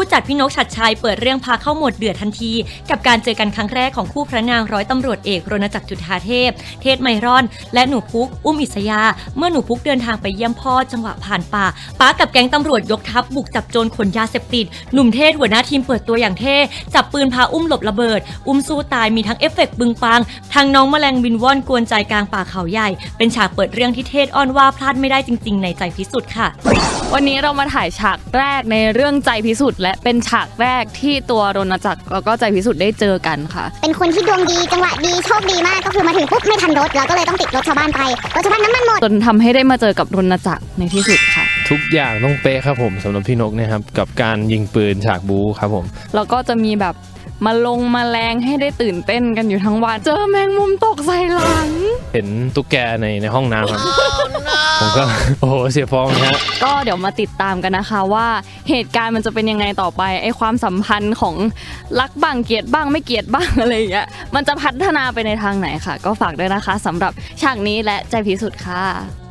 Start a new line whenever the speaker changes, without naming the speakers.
จัดพี่นกชัดชัยเปิดเรื่องพาเข้าโหมดเดือดทันทีกับการเจอกันครั้งแรกของคู่พระนางร้อยตำรวจเอกรณจักรจุฑาเทพเทศไมรอนและหนูพุกอุ้มอิสยาเมื่อหนูพุกเดินทางไปเยี่ยมพ่อจังหวะผ่านป่าป้ากับแก๊งตำรวจยกทัพบุกจับโจรขนยาเสพติดหนุ่มเทศหัวหน้าทีมเปิดตัวอย่างเท่จับปืนพาอุ้มหลบระเบิดอุ้มสู้ตายมีทั้งเอฟเฟกต์บึงปังทางน้องแมลงบินว่อนกวนใจกลางป่าเขาใหญ่เป็นฉากเปิดเรื่องที่เทศอ้อนว่าพลาดไม่ได้จริงๆในใจพิสุทธิ์ค่ะ
วันนี้เรามาถ่ายฉากแรกในเรื่องใจพิสุทธิ์และเป็นฉากแรกที่ตัวรณจักรแล้วก็ใจพิสุทธิ์ได้เจอกันค่ะ
เป็นคนที่ดวงดีจังหวะดีโชคดีมากก็คือมาถึงปุ๊บไม่ทันรถเราก็เลยต้องติดรถชาวบ้านไปรถชาวบ้านน้ำมันหมด
จนทำให้ได้มาเจอกับรณจักรในที่สุดค่ะ
ทุกอย่างต้องเป๊ะครับผมสำหรับพี่นกเนี่ยครับกับการยิงปืนฉากบู๊ครับผม
แล้วก็จะมีแบบมาแรงให้ได้ตื่นเต้นกันอยู่ทั้งวันเจอแมงมุมตกใส่หลัง
เห็นตุ๊กแกในห้องน้ำครับ ผมก็โอ้โหเสียฟองนะ
ก็เดี๋ยวมาติดตามกันนะคะว่าเหตุการณ์มันจะเป็นยังไงต่อไปไอ้ความสัมพันธ์ของรักบ้างเกลียดบ้างไม่เกลียดบ้างอะไรอย่างเงี้ยมันจะพัฒนาไปในทางไหนค่ะก็ฝากด้วยนะคะสำหรับฉากนี้และใจพิสุทธิ์ค่ะ